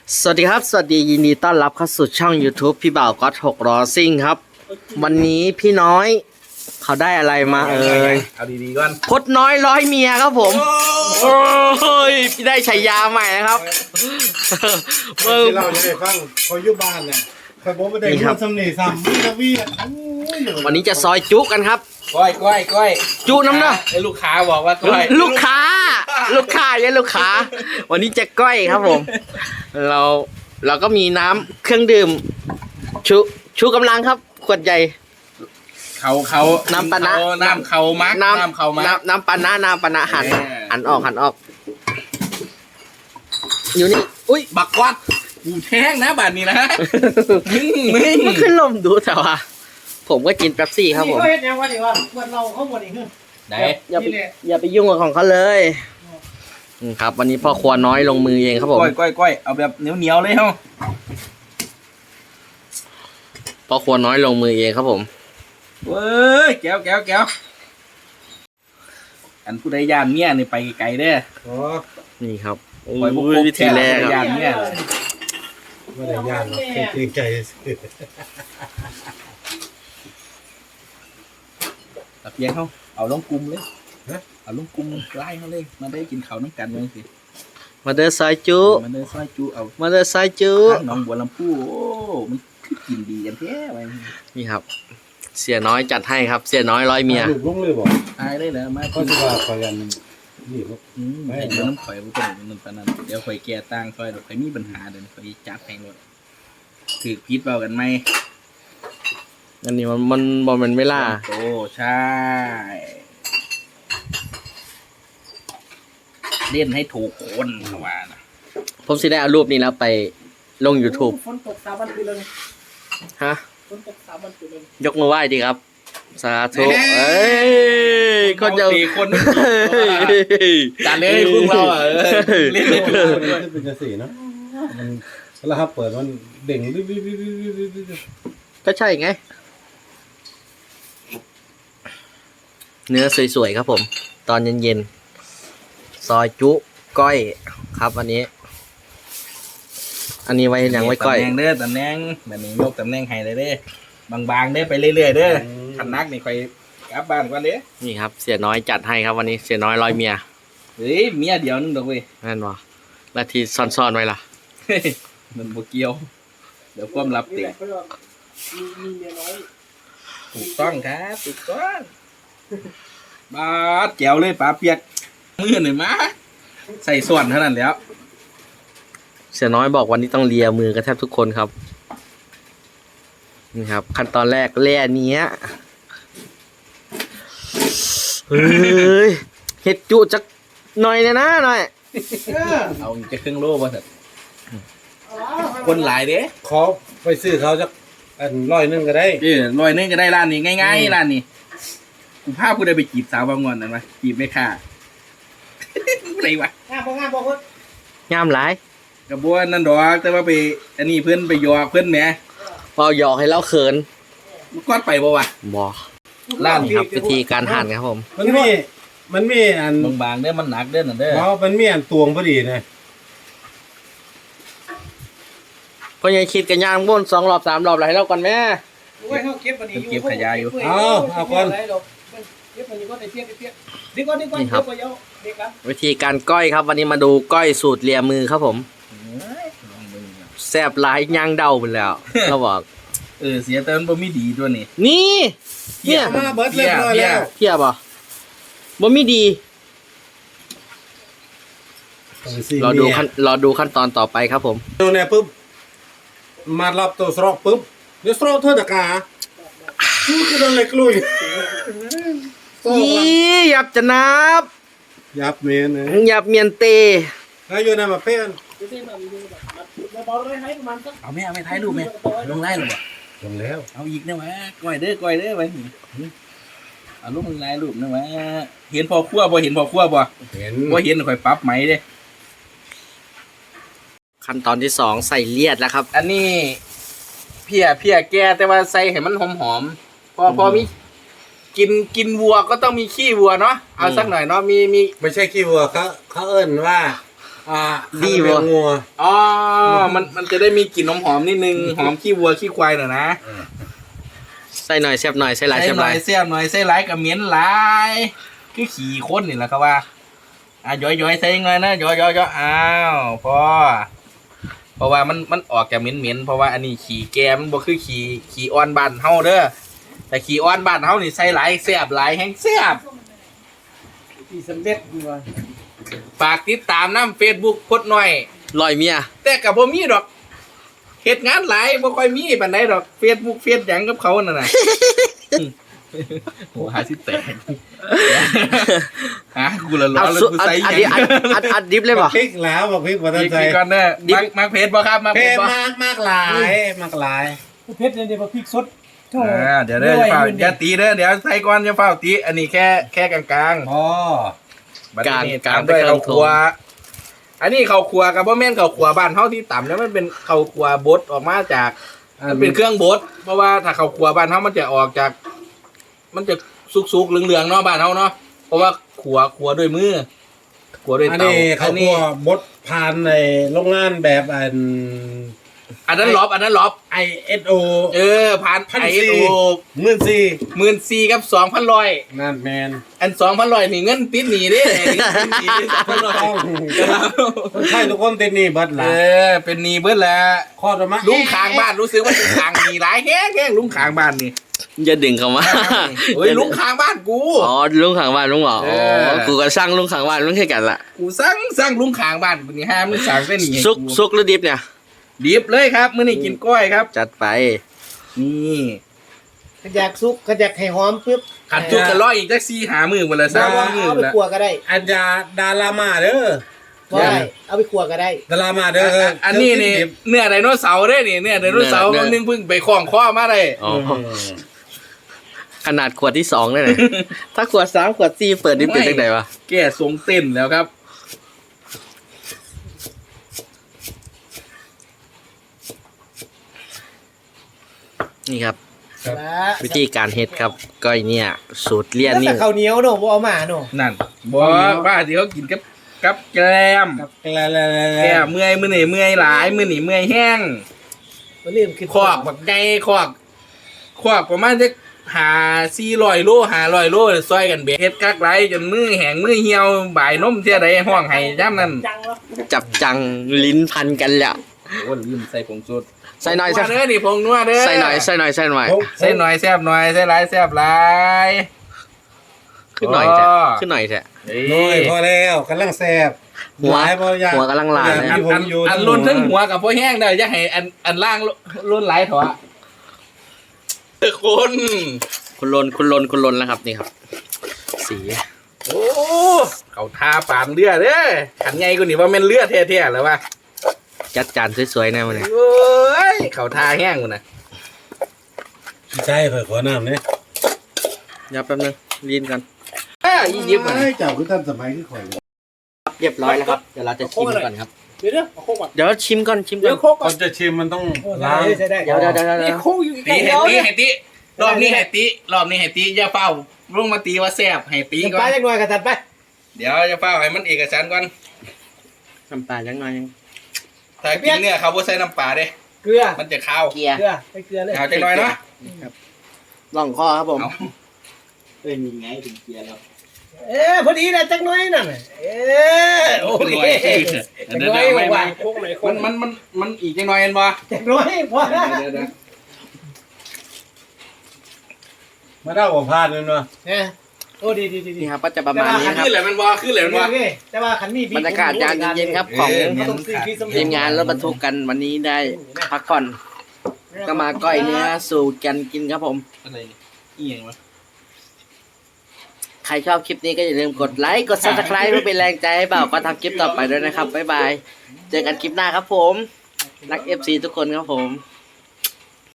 สวัสดีครับสวัสดียินดีต้อนรับเข้าสู่ช่อง YouTube พี่บ่าวก็6 ล้อซิ่งครับ วันนี้พี่น้อยเขาได้อะไรมาเอาดีๆก่อนพดน้อยร้อยเมียครับผมโอ้ยพี่ได้ฉายาใหม่นะครับที่เราจะได้ฟังเขาอยู่บ้านเนี่ยคอยบอกไม่ได้พูดสำเนียงซ้ำวิวีวันนี้จะซอยจุกันครับก้อยจุน้ำเนาะไอ้ลูกค้าบอกว่าก้อยลูกค้าเนี่ยลูกค้าวันนี้จะก้อยครับผมเราก็มีน้ำเครื่องดื่มชูกำลังครับขวดใหญ่เขาน้ำปานะน้ำเขามักน้ำเขามักน้ำปานะหันออกอยู่นี่อุ้ยบักวัดกูแท้งนะบ้านนี้นะมันขึ้นลมดูแต่ว่าผมก็กินเป๊ปซี่ครับผมเขาเห็นยังว่าเมื่อเราเขาหมดอีกอย่าไปยุ่งกับของเขาเลยครับวันนี้พ่อครัวน้อยลงมือเองครับผมก้อยเอาแบบเหนียวเลยเฮ้าพ่อครัวน้อยลงมือเองครับผมเว้ยแก้วอันผู้ใดย่านเมียนี่ไปไกลเด้อนี่ครับวิธีแรกย่านเมียไม่ได้ย่านหรอกเกรงใจตะเพียงเขาเอาลงกลุ่มเลยเอาลงกลุ่มไล่เขาเลยมาได้กินข้าวน้ำกันเลยสิมาเดินสายจุมาเดินสายจุเอามาเดินสายจุน้องบัวลำพูโอ้มันกินดีกันแท้ไปนี่ครับเสียน้อยจัดให้ครับเสียน้อยร้อยเมียลูกลุงเลยบอกตายได้แล้วมาก็จะว่าคอยกันนี่ครับไม่เดี๋ยวน้ำข่อยมันเป็นหนึ่งปานนั้นเดี๋ยวข่อยแก่ตั้งข่อยเดี๋ยวข่อยมีปัญหาเดี๋ยวข่อยจับแพงรถถือพิษเบากันไหมอันนี้มันไม่ล่าโอ้ใช่เล่นให้ถูกคนเขาว่านะผมสิได้เอารูปนี้แล้วไปลง YouTube ฝนตก3 วันไปเลยฮะฝนตก3 วันไปเลยยกมือไหว้ดีครับสาธุคนจะคนจานเล่นพวกเราเล่นเป็นกระสีนะมันแล้วครับเปิดมันเด่งก็ใช่ไงเนื้อสวยๆครับผมตอนเย็นๆซอยจุก้อยครับอันนี้ไว้ยังไว้ก้อยตำแหน่งเด้อตำแหน่งแบบนี้ยกตำแหน่งให้เลยเด้บางๆเด้ไปเรื่อยๆเด้อขันนักนี่ค่อยกลับบ้านก่อนเด้นี่ครับเสียน้อยจัดให้ครับวันนี้เสียน้อยร้อยเมียเฮ้ยเมียเดียวนึงดอกเว้ยนั่นวะแล้วที่ซ่อนๆไว้ล่ะมันบ่เกี่ยวเดี๋ยวความลับติดถูกต้องครับถูกต้องบาดแก้วเลยปลาเปียกมือหน่อยมาใส่ส่วนเท่านั้นแล้วเสียน้อยบอกวันนี้ต้องเลียมือกันแทบทุกคนครับนี่ครับขั้นตอนแรกแล่เนี้ยเฮ้ยเห็ดจุจักหน่อยนะหน่อยเอาจะครึ่งโลป่ะเถอะคนหลายเด้ขอไปซื้อเขาจะ100 ก็ได้ 100ก็ได้ร้านนี้ง่ายๆร้านนี้กูพาผู้ใดไปจีบสาวบางงอนนั่นวะจีบไม่ค่าอะไรวะงามบ่คนงามหลายกับบัวนั่นดอกแต่ว่าไปอันนี้เพื่อนไปยอเพื่อนแหมพอหยอกให้เล่าเขินก้อนไปบ่วะบ่ร้านครับวิธีการหั่นครับผมมันมีอันบางๆเด้อมันหนักเด้อนั่นเด้อเพราะมันมีอันตวงพอดีนะก็ยังคิดกันย่างบ้น2 รอบ 3 รอบอะไรแล้วก่อนแม่เก็บขยะอยู่เอาก่อนนี่ครับวิธีการก้อยครับวันนี้มาดูก้อยสูตรเลียมือครับผมแซ่บหลายย่างเดาไปแล้วเราบอกเสียแต่มันบ่มีดีตัวนี้นี่เนี่ยเบิดเรียบร้อยแล้วเทียบอ่ะบ่มีดีรอดูขั้นตอนต่อไปครับผมดูเนี่ยปุ๊บมารับตัวสโตรกปุ๊บเดี๋ยวสโตรกเท่าตะกาพูดกันเลยกลุยยับจะนับยับเมียนยับเมียนเตแล้วอยู่ในมาเพื่อนเอาไม่ถ่ายรูปไหมลงไล่หรอลงแล้วเอาอีกนะวะก้อยเด้อไปเอารูปมึงไล่รูปนะวะเห็นพอคั่วบ่เห็นพอคั่วบ่เห็นค่อยปรับไหมเด้ขั้นตอนที่2ใส่เลียดแล้วครับอันนี้เพียแก่แต่ว่าใส่ให้มันหอมพอมีกินวัวก็ต้องมีขี้วัวเนาะเอาสักหน่อยเนาะมีไม่ใช่ขี้วัวเขาเอิ้นว่าดีดีบ่งัวอ๋อมันจะได้มีกลิ่นหอมๆนิดนึงหอมขี้วัวขี้ควายหน่อยนะใส่หน่อยแซ่บหน่อยใส่หลายใส่แซ่บหหน่ลาอย ยเสียบหน่อยใส่หลายกับเหม็นหลายคือขี่ข้นนี่แหละครับว่าย้อยใส่ยังไงนะย้อยอ้าวพอเพราะว่ามันออกจากเหม็นเพราะว่าอันนี้ขี่แกมันบ่คือขี่อ่อนบ้านเฮาเด้อแต่ขี่อ่อนบ้านเฮานี่ใส่หลายแซ่บหลายแห้งแซ่บที่สำเร็จดีว่าฝากติดตามน้ำ Facebook พดหน่อยลอยเมียแต่กับบ่มีดอกเฮ็ดงานหลายบ่ค่อยมีปานใดดอก Facebook เฟซหยังกับเขานั่นน่ะ โอ้หาสิแตกฮะกูละร้อเอานแล้วสุกูอัดใส่อัดหดิยังอัดดิบเลยป่ะพริกแล้วบอกพริกมาตั้งใจอีกก่อนเด้อมักเพจบ่ครับมักเพเพจศบ่มากหลายมากหลายเพชรเนี่ยเดี๋ยวมาพริกสดโถ่เดี๋ยวเด้ออย่าตีเด้อเดี๋ยวใส่ก่อนอย่าเฝ้าตีอันนี้แค่กลางอ๋อๆบัดนี้ตามด้วยข้าวคั่วอันนี้ข้าวคั่วกับบ่แม่นข้าวคั่วบ้านเฮาที่ต่ำแล้วมันเป็นข้าวคั่วบดออกมาจาก มันเป็นเครื่องบดเพราะว่าถ้าข้าวคั่วบ้านเฮามันจะออกจาก มันจะสุกๆเหลืองๆเนาะบ้านเฮาเนาะเพราะว่าคั่วด้วยมือคั่วด้วยอันเตานี้เขาพวกบดผ่านในโรงงานแบบอันนั้นล็อบ ISO ผ่าน 1,400 ISO 14,000กับ 2,100 นั่นแมนอัน 2,100นี่เงินติดหนี้เด้ติดหนี้2,100 คนไทยทุกคนติดหนี่เบิดหละเป็นหนี้เบิดแล้วข้อต่อมาลุงข้างบ้านรู้สึกว่าลุงข้างหนี้หลายแฮงลุงข้างบ้านนี่อย่าดึงเข้ามาเฮ้ยลุงข้างบ้านกูอ๋อลุงขังบ้านลุงเหรอเออ๋ออกูก็สร้างลุงขังบ้านลุงแค่กันละกูสั่งลุงข้างบ้านกูนี่ห้ามมึงสั่งเป็นหนี้ให้ซุกหรือดิบเนี่ยดิบเลยครับมื้อนี้กินกล้อยครับจัดไปนี่ขยักซุกขยักให้หอมปึ๊บขัดจุกจะร้อยอีกจัก4-5มื้อพุ่นละเอา 3มื้อเอาพุ่ไปนละขัวก็ได้อันยาดารามาเด้อก็ได้เอาไปขัวก็ได้ดารามาเด้ออันนี้นี่เนื้อไดโนเสาร์เด้นี่เนื้อไดโนเสาร์มันนึงเพิ่งไปคล้องคอมาได้อ๋อ ขนาดขวดที่2ได้เลย ถ้าขวด3ขวด4เปิดนี่เป็นจังไดวะแก่ทรงเต้นแล้วครับนี่ครับแล้ววิธีการเฮ็ดครับก้อยเนี่ย สูตรเลี่ยนแล้วนี่แต่ข้าวเหนียวเนอะบ่เอามาเนอะนั่นบอกว่าที่เขากินกับแกล้ม แก่เมื่อยมื้อนี่เมื่อยหลายมื้อนี่เมื่อยแห้งบ่ลืมขึ้นคอกบักไก่คอกประมาณจะ400 โล500 โลซอยกันเบ็ดเฮ็ดกักไรจนมือแห้งมือเหี่ยวบ่ายนมเที่ยใดห้องให้ย่ำนั้นจังแล้วจับจังลิ้นพันกันแล้วโอ้ลืมใส่ผงชูรสใส่หน่อยใส่เด้อนี่ผงนัวเด้อใส่หน่อยใส่หน่อยใส่หน่อยใส่หน่อยแซ่บหน่อยใส่หลายแซ่บหลายขึ้นหน่อยแท้ขึ้นหน่อยแท้น้อยพอแล้วกำลังแซ่บหัวหลายบ่อยากหัวกำลังลายอเลยที่ผมอยู่อันล้นทั้งหัวกับพวกแห้งเด้ออย่าให้อันล่างล้นหลายเถอะคนคุณลนแล้วครับนี่ครับ สีโอ้เขาทาปานเลือดเด้อขันไงกูนี่ว่าแม่นเลือดแท้ๆแล้ววะจัดจานสวยๆแน่วันนี้โอ้ยเขาทาแห้งกูนะใช่ขอน้ำเนี่ยยับแป๊บนึงลีนกันยี่ยิบอ่ะเจ้าคือท่านสมัยคือข่อยครับเรียบร้อยแล้วครับเดี๋ยวเราจะชิมก่อนครับเดี๋ยวเอาโคกก่อนเดี๋ยวชิมก่อนชิมก่เดี๋อยวน โคกก่ก่ออน นจะชิมมันต้องโอ้ล้างใช้ได้เดี๋ยวนี่โคกอยู่ใกตีล้ให้เดียวตีให้ตีรอบนี้ให้ตีรอบนี้ให้ตีอย่าเฝ้าลงมาตีว่าแซ่บให้ตีก่อไปนจักหน่อยกันตัดไปเดี๋ยวจะเฝ้าให้มันเอกสารก่อนน้ำปลาจังหน่อยยังถ้ากินเนี่ยเขาบ่ใส่น้ำปลาเด้เกลือมันจะข้าวเกียร์เกลือไปเกลือเลยเอาจังหน่อยเนาะล่องคอครับผมเอาพอดีนะจักหน่อยนั่นน่ะโอเคจักหน่อยว่าโคกไหนโคกมันอีกจังหน่อยเห็นบ่จักหน่อยพอเดี๋ยวมาได้บ่พลาดเลยเนาะเนี่ยโอ้ดีนี่ครับก็จะประมาณนี้ครับขึ้นเลยมันบ่ขึ้นเลยมันบ่โอเคแต่ว่าขันมีบรรยากาศยามเย็นๆครับของต้องซื้อพี่สมทีมงานรถบรรทุกกันวันนี้ได้พักผ่อนก็มาก้อยเนื้อสูตรกันกินครับผมอะไรอีหยังวะใครชอบคลิปนี้ก็อย่าลืมกดไลค์กด subscribe เพื่อเป็นแรงใจให้บ่าวก็ทำคลิปต่อไปด้วยนะครับบ๊ายบายเจอกันคลิปหน้าครับผมรัก FC ทุกคนครับผม